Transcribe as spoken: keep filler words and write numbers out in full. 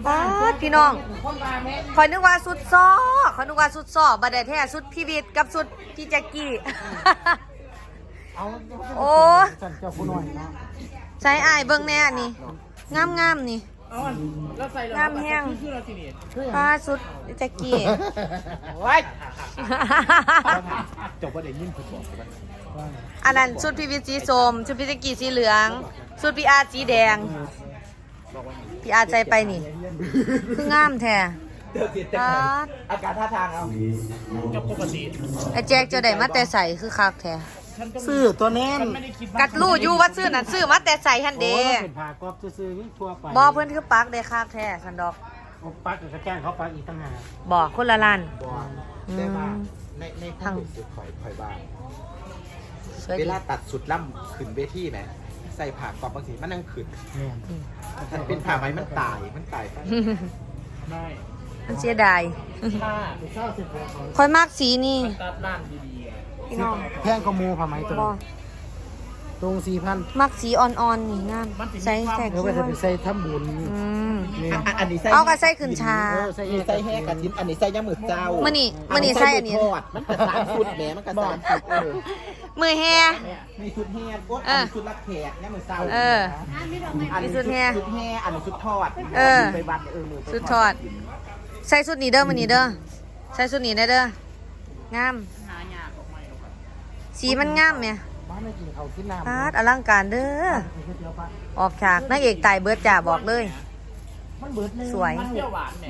ป๊าดพี่น้องคอยนึกว่าสุดซ้อคอยนึกว่าสุดซ้อบัดได้แท้สุดพี่วิทย์กับสุดพี่แจ็คกี้ โอ้ใช้อายเบิ่งแน่นี่งามงามนี่งามแห้งป้าสุดพี่แจ็คกี้จบว่าเดี๋ยวยิ้มผมบอกว่าอันนั้นชุดพี่วิทย์สีส้มชุดพี่แจ็คกี้สีเหลืองชุดพี่อาร์สีแดงพี่อาร์ใจไปนี่คืองามแท้อาการท่าทางเอาจบปกติไอ้แจ็คจะได้มาแต่ใส่คือคักแท้ซื้อตัวแน่นกัดลู่อยู่ว่าซื้อนั่นซื้อมาแต่ใส่ฮันเดโอ้เป็นผ่ากรอบซื้อๆนี่ทั่วไปบอเพื่อนคือปักได้คักแท้สันดอกปักกับแกงเขาปักอีกตั้งหากบอกคนละล้านบอกได้ว่าในในทางสุดข่อยข่อยบ้างเวลาตัดสุดล่ำขึ้นเวทีไหมใส่ผ่ากรอบบางทีมันนั่งขึ้นเนี่ยถ้าเป็นผ่าไหมมันตายมันตายไปได้มันเสียดายถ้าเศร้าสิบคอยมากสีนี่ตัดร้านดีพี่น้องๆแพงกว่ามูผ่าไหมตัวบอตรงสี่พันมักสีอ่อนๆนี่งามใส่แค่เดี๋ยวคิ้ไปวใส่ทำบุญอืมนี่อันนี้ใส่เอากระใส่ขึ้นชาใส่อันนี้ใส่แห้กระทิ้นอันนี้ใส่ย่างมือเจ้ามื้อนี้มื้อนี้ใส่อันนี้ทอดมันกระสานสุดแหมมันกระสานสุดเออมือแฮมีชุดแห้งอันนี้ชุดรับแขกย่างมือเจ้าเอออันนี้มีชุชุดดแห้แห้ชุดแห้อันนี้ชุดทอดเออไปวัดเออมือไปสุดทอด ใส่สุดนี้เด้อมื้อนี้เด้อใส่สุดนี้ได้เด้องามสีมันงามแม่บ้านไม่กินเขาวกินน้ำปาดอลังการเด้อ ออกฉากนางเอกตายเบิดจ่าบอกเลยมันเบิดเลยสวยมันเปรี้ยวหวานเนี่ย